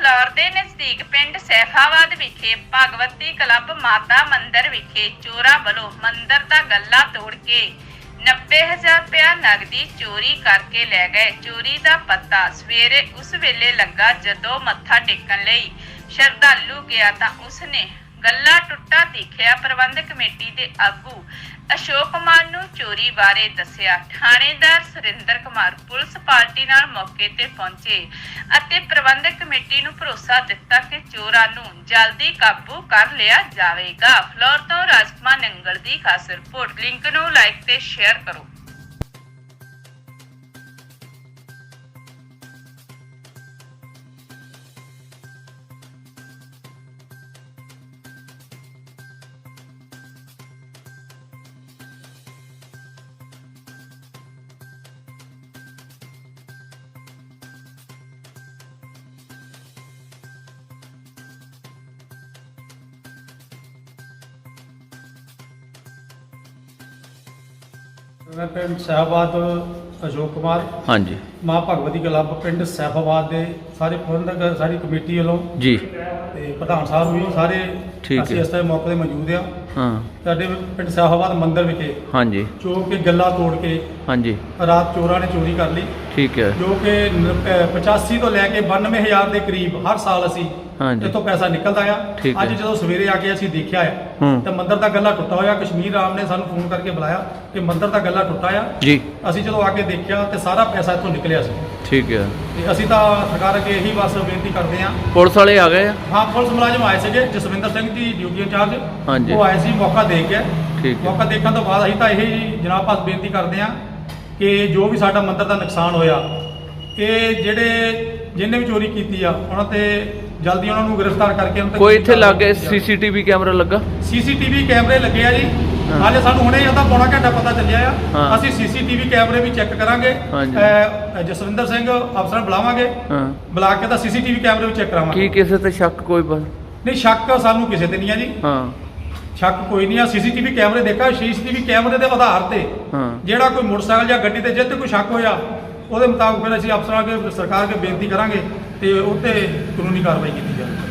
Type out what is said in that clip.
Flour ਦੇ ਨਜ਼ਦੀਕ ਪਿੰਡ ਸੈਫਾਬਾਦ ਵਿਖੇ ਭਗਵਤੀ ਕਲੱਬ ਮਾਤਾ ਮੰਦਿਰ ਵਿਖੇ ਚੋਰਾਂ ਵੱਲੋਂ ਮੰਦਿਰ ਦਾ ਗੱਲਾ ਤੋੜ ਕੇ 90,000 ਰੁਪਇਆ ਨਗਦੀ ਚੋਰੀ ਕਰਕੇ ਲੈ ਗਏ। ਚੋਰੀ ਦਾ ਪਤਾ ਸਵੇਰੇ ਉਸ ਵੇਲੇ ਲੱਗਾ ਜਦੋਂ ਮੱਥਾ ਟੇਕਣ ਲਈ ਸ਼ਰਧਾਲੂ ਗਿਆ ਤਾਂ ਉਸਨੇ ਗੱਲਾ ਟੁੱਟਾ ਦੇਖਿਆ। ਪ੍ਰਬੰਧਕ ਕਮੇਟੀ ਦੇ ਆਗੂ ਅਸ਼ੋਕ ਕੁਮਾਰ ਨੂੰ ਚੋਰੀ ਬਾਰੇ ਦੱਸਿਆ। ਥਾਣੇਦਾਰ ਸੁਰਿੰਦਰ ਕੁਮਾਰ ਪੁਲਿਸ ਪਾਰਟੀ ਨਾਲ ਮੌਕੇ ਤੇ ਪਹੁੰਚੇ ਅਤੇ ਪ੍ਰਬੰਧਕ ਕਮੇਟੀ ਨੂੰ ਭਰੋਸਾ ਦਿੱਤਾ ਕਿ ਚੋਰਾਂ ਨੂੰ ਜਲਦੀ ਕਾਬੂ ਕਰ ਲਿਆ ਜਾਵੇਗਾ। ਫਲੋਰ ਤੋਂ ਰਾਜਕੁਮਾਰ ਨੰਗਲ ਦੀ ਖਾਸ ਰਿਪੋਰਟ। ਲਿੰਕ ਨੂੰ ਲਾਈਕ ਤੇ ਸ਼ੇਅਰ ਕਰੋ। मैं पिंड सैफाबाद अशोक कुमार। हाँ जी। माँ भगवती क्लब पिंड सैफाबाद के सारे प्रबंधक सारी कमेटी वालों जी ते प्रधान साहब भी सारे ठीक ਅਸੀਂ है। इस टाइम मौके 'ਤੇ मौजूद ਆ। हाँ ਸਾਡੇ ਪਿੰਡ ਸੈਫਾਬਾਦ ਮੰਦਿਰ ਵਿਖੇ हाँ जी ਜੋ ਕਿ ਗੱਲਾ ਤੋੜ ਕੇ हाँ जी ਰਾਤ ਚੋਰਾਂ ਨੇ ਚੋਰੀ ਕਰ ਲਈ, ठीक है। ਜੋ ਕਿ 85 ਤੋਂ ਲੈ ਕੇ 92,000 ਦੇ ਕਰੀਬ ਹਰ ਸਾਲ ਅਸੀਂ हाँ जी ਇੱਥੋਂ ਪੈਸਾ ਨਿਕਲਦਾ ਆ। ਠੀਕ ਅੱਜ ਹੈ। ਜਦੋਂ ਸਵੇਰੇ ਆ ਕੇ ਅਸੀਂ ਦੇਖਿਆ ਆ ਹੂੰ। ਤਾਂ ਮੰਦਿਰ ਦਾ ਗੱਲਾ ਟੁੱਟਾ ਹੋਇਆ। ਕਸ਼ਮੀਰ ਰਾਮ ਨੇ ਸਾਨੂੰ ਫੋਨ ਕਰਕੇ ਬੁਲਾਇਆ ਕਿ ਮੰਦਿਰ ਦਾ ਗੱਲਾ ਟੁੱਟਾ ਆ। जी ਅਸੀਂ ਜਦੋਂ ਆ ਕੇ ਦੇਖਿਆ ਤੇ ਸਾਰਾ ਪੈਸਾ ਇੱਥੋਂ ਨਿਕਲਿਆ ਸੀ। ठीक है। ਤੇ ਅਸੀਂ ਤਾਂ ਸਰਕਾਰ ਅੱਗੇ ਇਹੀ ਬਸ ਬੇਨਤੀ ਕਰਦੇ ਹਾਂ। पुलिस वाले आ गए हैं? ਹਾਂ, ਪੁਲਿਸ ਮੁਲਾਜ਼ਮ ਆਏ ਸੀਗੇ, ਜਸਵਿੰਦਰ ਸਿੰਘ ਦੀ ਡਿਊਟੀ ਇੰਚਾਰਜ ਹਾਂਜੀ। ਉਹ ਆਏ ਸੀ, ਮੌਕਾ ਦੇਖ ਗਏ। ਠੀਕ ਹੈ। ਮੌਕਾ ਦੇਖਣ ਤੋਂ ਬਾਅਦ ਅਸੀਂ ਤਾਂ ਇਹ ਜਨਾਬ ਪਾਸ ਬੇਨਤੀ ਕਰਦੇ ਹਾਂ ਕਿ ਜੋ ਵੀ ਸਾਡਾ ਮੰਦਿਰ ਦਾ ਨੁਕਸਾਨ ਹੋਇਆ, ਇਹ ਜਿਹਨੇ ਵੀ ਚੋਰੀ ਕੀਤੀ ਆ ਉਹਨਾਂ ਤੇ ਜਲਦੀ ਉਹਨਾਂ ਨੂੰ ਗ੍ਰਿਫਤਾਰ ਕਰਕੇ ਉਹਨਾਂ ਤੇ कोई इत्थे लागे सीसीटीवी कैमरा लगा? ਸੀਸੀਟੀਵੀ ਕੈਮਰੇ ਲੱਗੇ ਆ ਜੀ। ਹਾਂ। ਹਾਲੇ ਸਾਨੂੰ ਹੁਣੇ ਇਹਦਾ ਪੌਣਾ ਘੰਟਾ ਪਤਾ ਚੱਲਿਆ ਆ। ਹਾਂ। ਅਸੀਂ ਸੀਸੀਟੀਵੀ ਕੈਮਰੇ ਵੀ ਚੈੱਕ ਕਰਾਂਗੇ। ਹਾਂਜੀ। ਜਸਵਿੰਦਰ ਸਿੰਘ ਅਫਸਰ ਬੁਲਾਵਾਂਗੇ, हाँ ਬੁਲਾ ਕੇ ਤਾਂ ਸੀਸੀਟੀਵੀ ਕੈਮਰੇ ਵੀ ਚੈੱਕ की ਕਰਾਵਾਂਗੇ। किसी ते शक कोई बस? ਨਹੀਂ, ਸ਼ੱਕ ਸਾਨੂੰ ਕਿਸੇ ਤੇ ਨਹੀਂ ਆ ਜੀ। हाँ ਸ਼ੱਕ ਕੋਈ ਨਹੀਂ ਆ। ਸੀਸੀਟੀਵੀ ਕੈਮਰੇ ਦੇਖਾ, ਸੀਸੀਟੀਵੀ ਕੈਮਰੇ ਦੇ ਆਧਾਰ ਤੇ हाँ ਜਿਹੜਾ ਕੋਈ ਮੋਟਰਸਾਈਕਲ ਜਾਂ ਗੱਡੀ ਤੇ ਜਿੱਥੇ ਕੋਈ ਸ਼ੱਕ ਹੋਇਆ ਉਹਦੇ ਮੁਤਾਬਕ ਫਿਰ ਅਸੀਂ ਅਫਸਰਾਂ ਅੱਗੇ ਸਰਕਾਰ ਅੱਗੇ ਬੇਨਤੀ ਕਰਾਂਗੇ ਤੇ ਉਹ ਤੇ ਕਾਨੂੰਨੀ ਕਾਰਵਾਈ ਕੀਤੀ ਜਾਵੇ।